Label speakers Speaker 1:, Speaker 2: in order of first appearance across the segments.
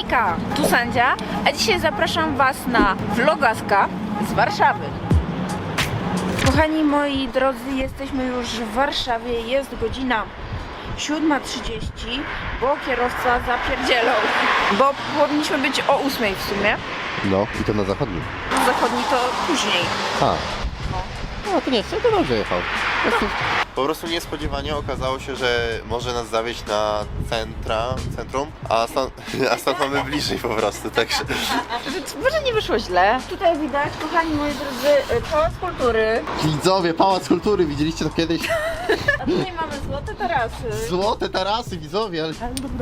Speaker 1: Hejka, tu Sandzia, a dzisiaj zapraszam Was na vlogaska z Warszawy. Kochani moi drodzy, jesteśmy już w Warszawie, jest godzina 7:30, bo kierowca zapierdzielał, bo powinniśmy być o 8 w sumie.
Speaker 2: No, i to na zachodnim.
Speaker 1: Zachodni to później.
Speaker 2: A. No to nie, to dobrze jechał.
Speaker 3: Po prostu niespodziewanie okazało się, że może nas zawieźć na centrum, a stąd mamy bliżej po prostu, także...
Speaker 1: Może nie wyszło źle. Tutaj widać, kochani moi drodzy, Pałac Kultury.
Speaker 2: Widzowie, Pałac Kultury, widzieliście to kiedyś?
Speaker 1: A tutaj mamy złote tarasy.
Speaker 2: Złote tarasy, widzowie, ale...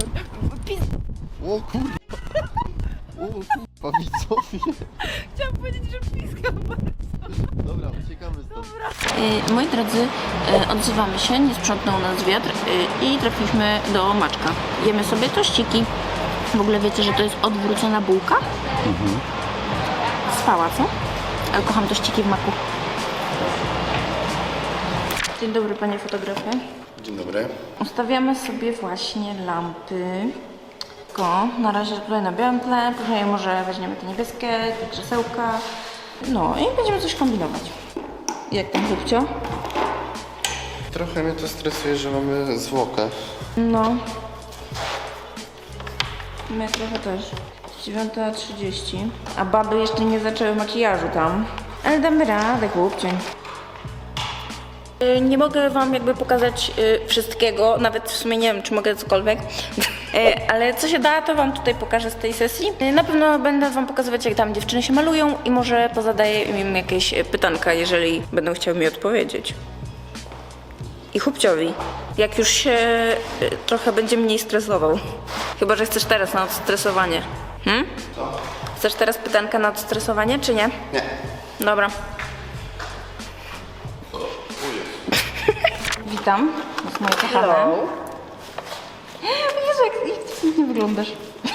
Speaker 2: O kurwa. O kurwa, widzowie.
Speaker 1: Chciałam powiedzieć, że piskam bardzo.
Speaker 2: Dobra, uciekamy stąd.
Speaker 1: Moi drodzy, odzywamy się, nie sprzątnął nas wiatr i trafiliśmy do Maczka. Jemy sobie tościki. W ogóle wiecie, że to jest odwrócona bułka? Spała, co? Ale kocham tościki w maku. Dzień dobry, panie fotografie.
Speaker 3: Dzień dobry.
Speaker 1: Ustawiamy sobie właśnie lampy. Na razie tutaj na białym tle, później może weźmiemy te niebieskie, te krzesełka. No i będziemy coś kombinować. Jak tam, Zupcio?
Speaker 3: Trochę mnie to stresuje, że mamy zwłokę.
Speaker 1: No. My trochę też. 9:30. A baby jeszcze nie zaczęły makijażu tam. Ale damy radę, chłopcień. Nie mogę wam jakby pokazać wszystkiego, nawet w sumie nie wiem, czy mogę cokolwiek, ale co się da, to wam tutaj pokażę z tej sesji. Na pewno będę wam pokazywać, jak tam dziewczyny się malują i może pozadaję im jakieś pytanka, jeżeli będą chciały mi odpowiedzieć. I chłopciowi, jak już się trochę będzie mniej stresował. Chyba że chcesz teraz na odstresowanie. Chcesz teraz pytanka na odstresowanie, czy nie?
Speaker 3: Nie.
Speaker 1: Dobra. Witam, to jest moje kochane. Jezu, jak ty pięknie wyglądasz.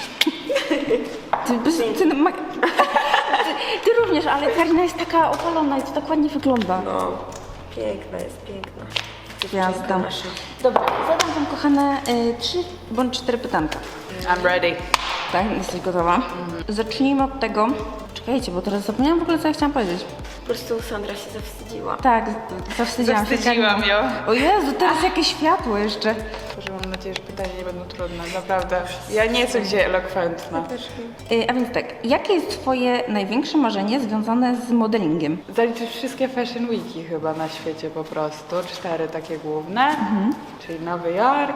Speaker 1: Ty również, ale Karina jest taka opalona i to tak ładnie wygląda.
Speaker 4: No, piękna jest, piękna.
Speaker 1: Gwiazda. Dobra, zadam wam kochane 3 bądź 4 pytanka.
Speaker 4: I'm ready.
Speaker 1: Tak, jesteś gotowa? Zacznijmy od tego. Czekajcie, bo teraz zapomniałam w ogóle, co ja chciałam powiedzieć.
Speaker 4: Po prostu Sandra się zawstydziła.
Speaker 1: Tak, zawstydziłam się.
Speaker 5: Zawstydziłam ją.
Speaker 1: O Jezu, teraz jakieś światło jeszcze.
Speaker 5: Boże, mam nadzieję, że pytania nie będą trudne, naprawdę. Ja nie jestem gdzie elokwentna.
Speaker 1: A więc tak, jakie jest twoje największe marzenie związane z modelingiem?
Speaker 5: Zaliczyć wszystkie Fashion Weeki chyba na świecie po prostu. 4 takie główne, czyli Nowy Jork,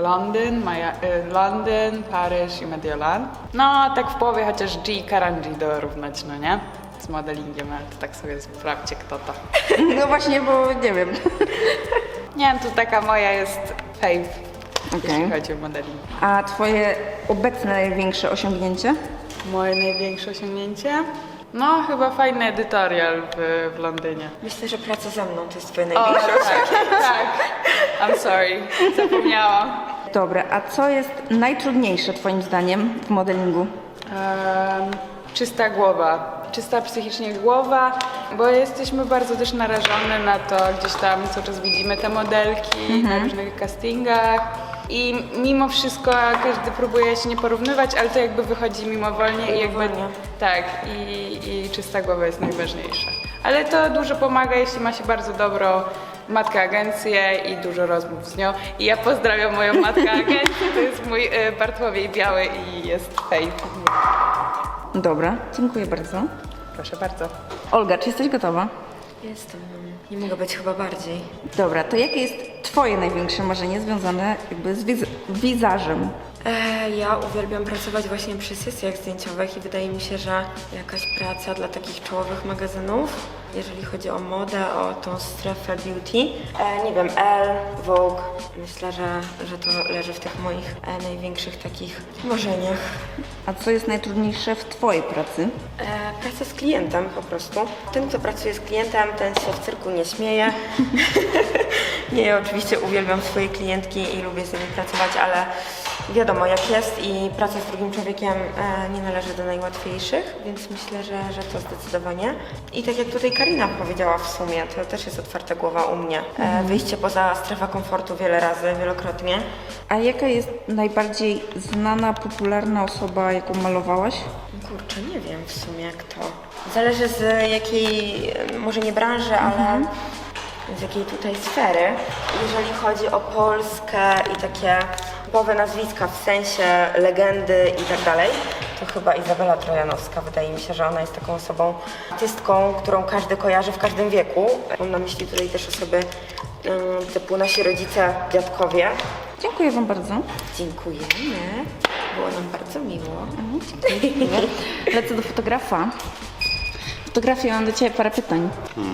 Speaker 5: Londyn, Paryż i Mediolan. No, tak w połowie chociaż G i Karanji dorównać, no nie? Z modelingiem, ale to tak sobie sprawdźcie, kto to.
Speaker 1: No właśnie, bo nie wiem.
Speaker 5: Nie wiem, tu taka moja jest fave,
Speaker 1: Okej.
Speaker 5: jeśli chodzi o modeling.
Speaker 1: A twoje obecne największe osiągnięcie?
Speaker 5: Moje największe osiągnięcie? No, chyba fajny edytorial w Londynie.
Speaker 4: Myślę, że praca ze mną to jest twoje
Speaker 5: O,
Speaker 4: największe.
Speaker 5: tak. I'm sorry, zapomniałam.
Speaker 1: Dobra, a co jest najtrudniejsze twoim zdaniem w modelingu?
Speaker 5: Czysta głowa, czysta psychicznie głowa, bo jesteśmy bardzo też narażone na to, gdzieś tam cały czas widzimy te modelki na różnych castingach i mimo wszystko każdy próbuje się nie porównywać, ale to jakby wychodzi mimowolnie i jakby
Speaker 4: Mimowolnie.
Speaker 5: tak i czysta głowa jest najważniejsza. Ale to dużo pomaga, jeśli ma się bardzo dobrą matkę agencję i dużo rozmów z nią. I ja pozdrawiam moją matkę agencję, to jest mój Bartłomiej Biały i jest fake.
Speaker 1: Dobra, dziękuję bardzo.
Speaker 5: Proszę bardzo.
Speaker 1: Olga, czy jesteś gotowa?
Speaker 4: Jestem, nie mogę być chyba bardziej.
Speaker 1: Dobra, to jakie jest twoje największe marzenie związane jakby z wizażem?
Speaker 4: Ja uwielbiam pracować właśnie przy sesjach zdjęciowych i wydaje mi się, że jakaś praca dla takich czołowych magazynów, jeżeli chodzi o modę, o tą strefę beauty. Nie wiem, Elle, Vogue, myślę, że to leży w tych moich największych takich marzeniach.
Speaker 1: A co jest najtrudniejsze w twojej pracy?
Speaker 4: Praca z klientem po prostu. Ten, kto pracuje z klientem, ten się w cyrku nie śmieje. Nie, ja oczywiście uwielbiam swoje klientki i lubię z nimi pracować, ale wiadomo jak jest i praca z drugim człowiekiem nie należy do najłatwiejszych, więc myślę, że to zdecydowanie. I tak jak tutaj Karina powiedziała w sumie, to też jest otwarta głowa u mnie. Wyjście poza strefę komfortu wiele razy, wielokrotnie.
Speaker 1: A jaka jest najbardziej znana, popularna osoba, jaką malowałaś?
Speaker 4: Kurczę, nie wiem w sumie kto. Zależy z jakiej, może nie branży, ale z jakiej tutaj sfery. Jeżeli chodzi o Polskę i takie typowe nazwiska, w sensie legendy i tak dalej, to chyba Izabela Trojanowska. Wydaje mi się, że ona jest taką osobą, artystką, którą każdy kojarzy w każdym wieku. Mam na myśli tutaj też osoby typu nasi rodzice, dziadkowie.
Speaker 1: Dziękuję Wam bardzo.
Speaker 4: Dziękujemy. Było nam bardzo miło.
Speaker 1: Lecę do fotografa. Fotografie, mam do Ciebie parę pytań.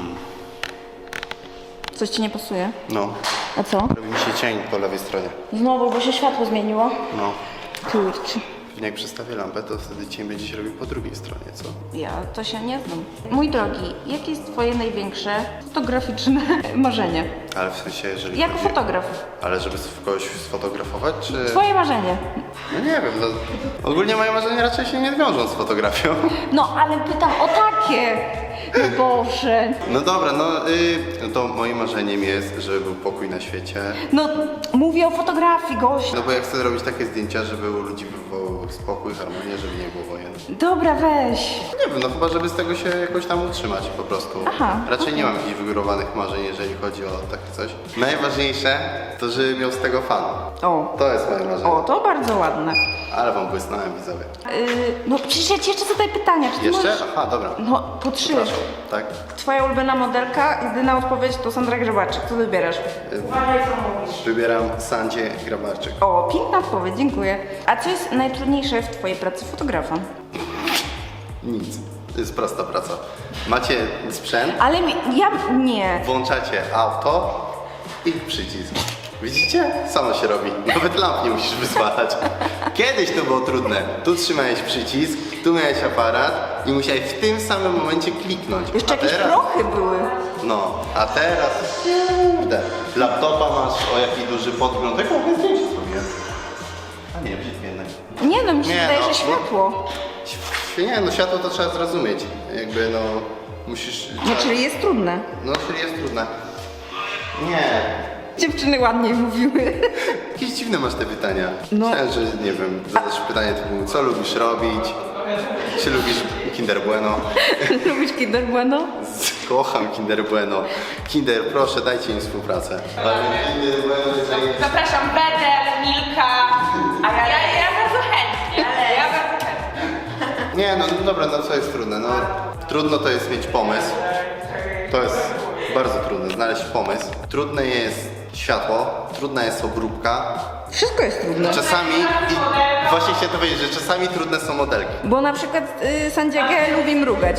Speaker 1: Coś Ci nie pasuje?
Speaker 3: No,
Speaker 1: A co?
Speaker 3: robi mi się cień po lewej stronie.
Speaker 1: Znowu, bo się światło zmieniło.
Speaker 3: No,
Speaker 1: Kurczę.
Speaker 3: pewnie jak przestawię lampę, to wtedy cień będzie się robił po drugiej stronie, co?
Speaker 1: Ja to się nie znam. Mój drogi, jakie jest Twoje największe fotograficzne marzenie?
Speaker 3: Ale w sensie, jeżeli
Speaker 1: Jako
Speaker 3: chodzi...
Speaker 1: fotograf.
Speaker 3: Ale żeby kogoś sfotografować, czy...
Speaker 1: Twoje marzenie.
Speaker 3: No nie wiem, no... Ogólnie moje marzenia raczej się nie wiążą z fotografią.
Speaker 1: No, ale pytam o takie. No Boże.
Speaker 3: No dobra, no to moim marzeniem jest, żeby był pokój na świecie.
Speaker 1: No, mówię o fotografii, gość.
Speaker 3: No bo ja chcę robić takie zdjęcia, żeby u ludzi był spokój, harmonia, żeby nie było wojen.
Speaker 1: Dobra, weź.
Speaker 3: Nie wiem, no chyba żeby z tego się jakoś tam utrzymać po prostu.
Speaker 1: Aha,
Speaker 3: Raczej nie mam jakichś wygórowanych marzeń, jeżeli chodzi o takie coś. Najważniejsze to, żeby miał z tego fan.
Speaker 1: O.
Speaker 3: To jest moje marzenie.
Speaker 1: O, to bardzo ładne.
Speaker 3: Ale wam błysnąłem, widzowie.
Speaker 1: No, przecież ja Ci jeszcze zadaję pytania. Czy ty
Speaker 3: Jeszcze?
Speaker 1: możesz...
Speaker 3: Aha, dobra.
Speaker 1: No, po 3.
Speaker 3: Przepraszam, tak?
Speaker 1: Twoja ulubiona modelka, jedyna odpowiedź to Sandra Grzebaczyk. Co wybierasz?
Speaker 3: Wybieram Sandzie Grabarczyk.
Speaker 1: O, piękna odpowiedź, dziękuję. A co jest najtrudniejsze w Twojej pracy fotografa?
Speaker 3: Nic. To jest prosta praca. Macie sprzęt,
Speaker 1: Ale ja nie.
Speaker 3: włączacie auto i przycisk. Widzicie? Samo się robi. Nawet lamp nie musisz wyzwalać. Kiedyś to było trudne. Tu trzymałeś przycisk, tu miałeś aparat i musiałeś w tym samym momencie kliknąć.
Speaker 1: Jeszcze
Speaker 3: A
Speaker 1: jakieś
Speaker 3: teraz-
Speaker 1: prochy były.
Speaker 3: No, a teraz... Kurde. Laptopa masz, o jaki duży podgląd. Jak mogę zdjęcie zrobiłem? A nie, brzydkie jednak.
Speaker 1: Nie no, mi się
Speaker 3: Nie,
Speaker 1: wydaje,
Speaker 3: no,
Speaker 1: że światło.
Speaker 3: Nie, no światło to trzeba zrozumieć. Jakby no... Musisz...
Speaker 1: No, czyli jest trudne.
Speaker 3: No, czyli jest trudne. Nie.
Speaker 1: Dziewczyny ładniej mówiły.
Speaker 3: Jakieś dziwne masz te pytania.
Speaker 1: No.
Speaker 3: Myślałem, że nie wiem, zadasz pytanie typu, co lubisz robić? Czy lubisz Kinder Bueno?
Speaker 1: Lubisz Kinder Bueno?
Speaker 3: Kocham Kinder Bueno. Kinder, proszę, dajcie im współpracę. Ale Kinder Bueno, jeżeli...
Speaker 5: Zapraszam Betel, Milka. A ja bardzo chętnie. Ja bardzo chętnie.
Speaker 3: Nie, no dobra, no co jest trudne? No, trudno to jest mieć pomysł. To jest bardzo trudne, znaleźć pomysł. Trudne jest światło, trudna jest obróbka.
Speaker 1: Wszystko jest trudne.
Speaker 3: Czasami, i właśnie chciałem to powiedzieć, że czasami trudne są modelki.
Speaker 1: Bo na przykład Sandzia G lubi mrugać.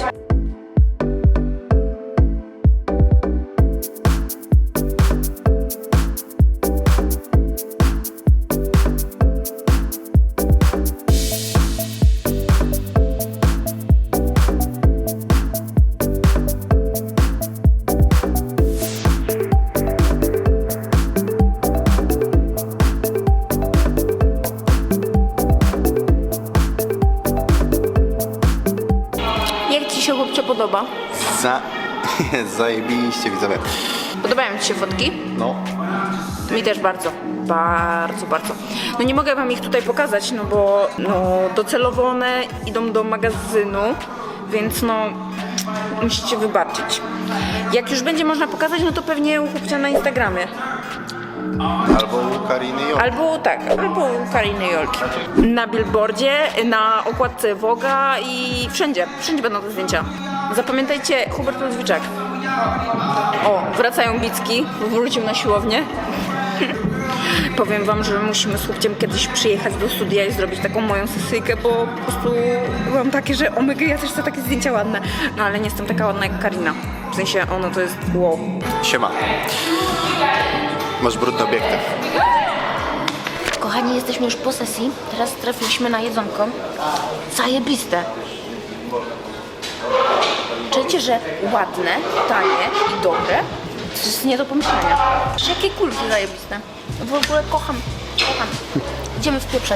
Speaker 1: Jak Ci się chłopcze podoba?
Speaker 3: Zajebiście, widzowie.
Speaker 1: Podobają Ci się fotki?
Speaker 3: No.
Speaker 1: Mi też bardzo. Bardzo, bardzo. No nie mogę Wam ich tutaj pokazać, no bo docelowo one idą do magazynu, więc no musicie wybaczyć. Jak już będzie można pokazać, no to pewnie u chłopcia na Instagramie.
Speaker 3: Albo u Kariny i
Speaker 1: Albo u Kariny Jolki. Na billboardzie, na okładce Vogue'a i wszędzie będą te zdjęcia. Zapamiętajcie, Hubert Ludwiczak. O, wracają Bicki, wrócił na siłownię. Powiem wam, że musimy z chłopciem kiedyś przyjechać do studia i zrobić taką moją sesyjkę, bo po prostu byłam takie, że omega, ja też chcę takie zdjęcia ładne. No ale nie jestem taka ładna jak Karina. W sensie ona to jest wow.
Speaker 3: Siema. Masz brudny obiektyw.
Speaker 1: Kochani, jesteśmy już po sesji. Teraz trafiliśmy na jedzonko. Zajebiste. Czujecie, że ładne, tanie i dobre? To jest nie do pomyślenia. Jakie kulki zajebiste. W ogóle kocham. idziemy wpieprzać.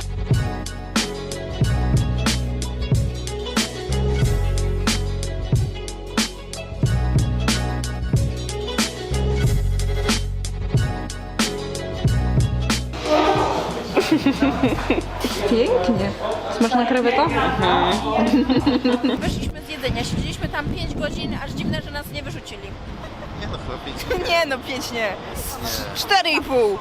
Speaker 5: Pięknie. Smaczna kreweta?
Speaker 1: Wyszliśmy z jedzenia, siedzieliśmy tam 5 godzin, aż dziwne, że nas nie wyrzucili.
Speaker 2: Nie no, chyba 5.
Speaker 1: Nie no, 5 nie. 4,5.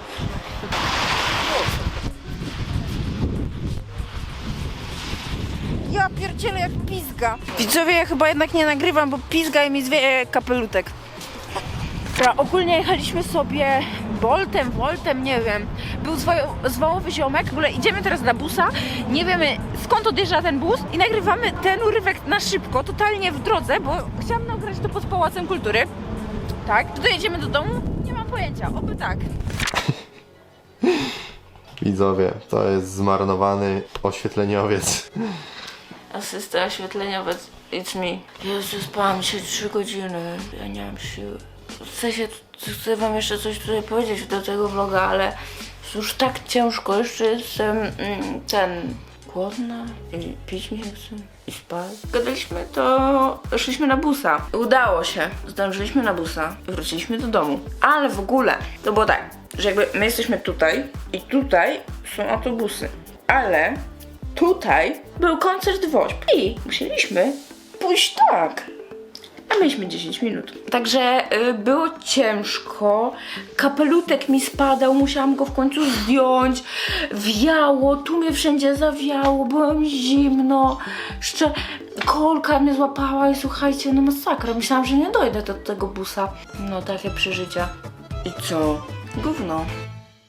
Speaker 1: Ja pierdzielę jak pizga. Widzowie, ja chyba jednak nie nagrywam, bo pizga i mi zwieje kapelutek. Dobra, ogólnie jechaliśmy sobie Woltem, nie wiem. Był zwałowy ziomek, w ogóle idziemy teraz na busa, nie wiemy skąd odjeżdża ten bus i nagrywamy ten urywek na szybko, totalnie w drodze, bo chciałam nagrać to pod Pałacem Kultury. Tak, czy dojedziemy do domu? Nie mam pojęcia, oby tak.
Speaker 2: Widzowie, to jest zmarnowany oświetleniowiec.
Speaker 1: Asysta oświetleniowiec, it's me. Jezu, spałam się 3 godziny, ja nie mam siły. Chcę wam jeszcze coś tutaj powiedzieć do tego vloga, ale jest już tak ciężko, jeszcze jestem głodna i pić mi się chce i spać. Gadaliśmy, to szliśmy na busa. Udało się, zdążyliśmy na busa i wróciliśmy do domu. Ale w ogóle to było tak, że jakby my jesteśmy tutaj i tutaj są autobusy, ale tutaj był koncert WOŚP i musieliśmy pójść tak. A mieliśmy 10 minut. Także było ciężko, kapelutek mi spadał, musiałam go w końcu zdjąć, wiało, tu mnie wszędzie zawiało, byłem zimno, jeszcze kolka mnie złapała i słuchajcie, no masakra, myślałam, że nie dojdę do tego busa. No takie przeżycia. I co? Gówno.